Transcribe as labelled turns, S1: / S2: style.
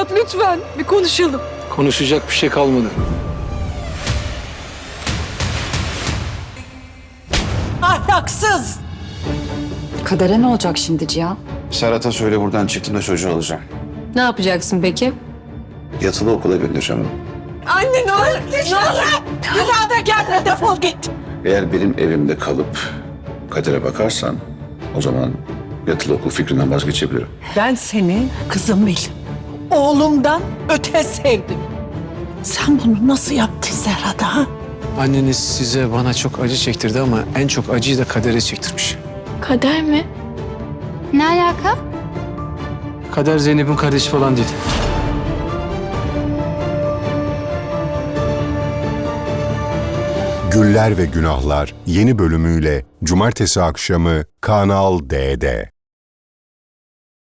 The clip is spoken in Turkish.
S1: Serhat lütfen bir konuşalım.
S2: Konuşacak bir şey kalmadı.
S3: Ahlaksız!
S4: Kadere ne olacak şimdi Cihan?
S5: Serhat'a söyle buradan çıktığında çocuğu alacağım.
S1: Ne yapacaksın peki?
S5: Yatılı okula göndereceğim onu.
S3: Anne ne olur! Ne olur! Bir daha da gelme, defol git!
S5: Eğer benim evimde kalıp kadere bakarsan o zaman yatılı okul fikrinden vazgeçebilirim.
S3: Ben seni kızım bil. Oğlumdan öte sevdim. Sen bunu nasıl yaptın Serhat'a? Ha?
S2: Anneniz size bana çok acı çektirdi ama en çok acıyı da Kader'e çektirmiş.
S1: Kader mi?
S6: Ne alaka?
S2: Kader Zeynep'in kardeşi falan değil.
S7: Güller ve Günahlar yeni bölümüyle Cumartesi akşamı Kanal D'de.